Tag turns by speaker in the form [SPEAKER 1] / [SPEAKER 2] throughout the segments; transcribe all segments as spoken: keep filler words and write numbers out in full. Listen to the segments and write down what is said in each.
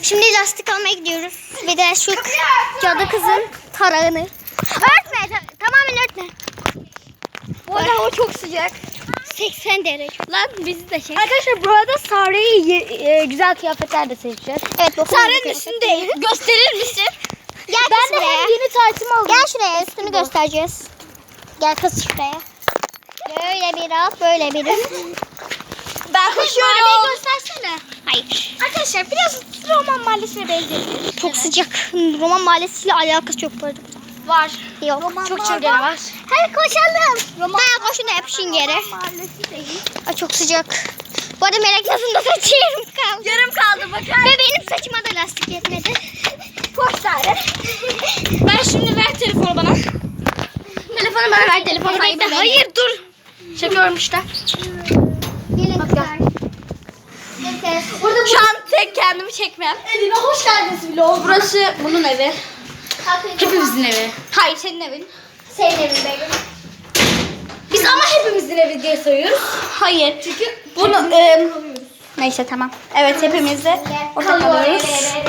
[SPEAKER 1] Şimdi lastik almaya gidiyoruz. Bir de şu cadı kızın tarağını. Örtme. ta- tamamen örtme.
[SPEAKER 2] Bu arada hava çok sıcak.
[SPEAKER 1] seksen derece.
[SPEAKER 2] Lan bizi de çek. Arkadaşlar bu arada Sare'yi e, güzel kıyafetler de seçeceğiz.
[SPEAKER 1] Evet.
[SPEAKER 2] Sare'nin üstünde. Gösterir misin?
[SPEAKER 1] Gel kız
[SPEAKER 2] Ben de
[SPEAKER 1] şuraya.
[SPEAKER 2] hem yeni taytımı aldım.
[SPEAKER 1] Gel şuraya, üstünü göstereceğiz. Gel kız şuraya. Böyle bir at, böyle bir.
[SPEAKER 2] Ben koşuyorum.
[SPEAKER 1] Göstersene. Hayır.
[SPEAKER 2] Arkadaşlar biraz Roman Mahallesi'ne benziyor.
[SPEAKER 1] Çok sıcak. Roman mahallesiyle alakası yok bu arada.
[SPEAKER 2] Var.
[SPEAKER 1] Yok.
[SPEAKER 2] Çok çılgın var.
[SPEAKER 1] Hadi koşalım. Roman ha, koşun da yapışın yere.
[SPEAKER 2] Mahallesi değil.
[SPEAKER 1] Ay, çok sıcak. Bu arada Melek Yaz'ın da saçı yarım kaldı.
[SPEAKER 2] Yarım kaldı bakar.
[SPEAKER 1] Ve benim saçıma da lastik yetmedi.
[SPEAKER 2] Koş Sare. Ben şimdi ver telefonu bana. Telefonu bana ver telefonu.
[SPEAKER 1] Hayır,
[SPEAKER 2] Hayır, hayır dur. Çekiyorum işte.
[SPEAKER 1] Gelin kızlar.
[SPEAKER 2] Burada şu an tek kendimi çekmem. Evine hoş geldiniz vlog. Burası bunun evi. Hepimizin evi. Hayır senin evin.
[SPEAKER 1] Senin evin benim.
[SPEAKER 2] Biz ama hepimizin evi diye sayıyoruz. Hayır. Çünkü bunu e, neyse tamam. Evet hepimiz de orada kalıyoruz.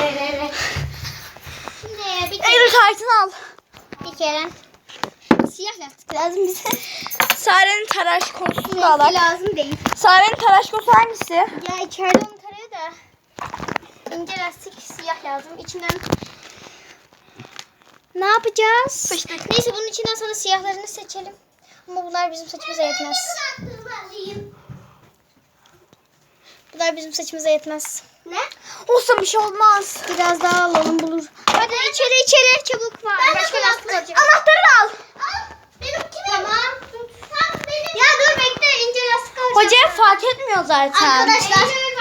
[SPEAKER 1] Şimdi bir
[SPEAKER 2] Eylül
[SPEAKER 1] kere,
[SPEAKER 2] kartını al.
[SPEAKER 1] bir kere siyah lastik lazım bize.
[SPEAKER 2] Sare'nin tıraş konusunu da
[SPEAKER 1] Renkli
[SPEAKER 2] alak.
[SPEAKER 1] lazım değil.
[SPEAKER 2] Sare'nin tıraş konusu hangisi?
[SPEAKER 1] Ya içeride onu tarıyor da ince lastik siyah lazım. İçinden ne yapacağız? Neyse bunun içinden sana siyahlarını seçelim. Ama bunlar bizim saçımıza yetmez. Bunlar bizim saçımıza yetmez.
[SPEAKER 2] Ne? Olsa bir şey olmaz.
[SPEAKER 1] Biraz daha alalım bulur. Hadi içeri içeri çabuk var.
[SPEAKER 2] Ben de
[SPEAKER 1] Başka lastik alacağım.
[SPEAKER 2] Anahtarını al.
[SPEAKER 1] Benimki tamam. Ya dur bekle ince lastik alacağım.
[SPEAKER 2] Hocaya fark etmiyor zaten.
[SPEAKER 1] Arkadaşlar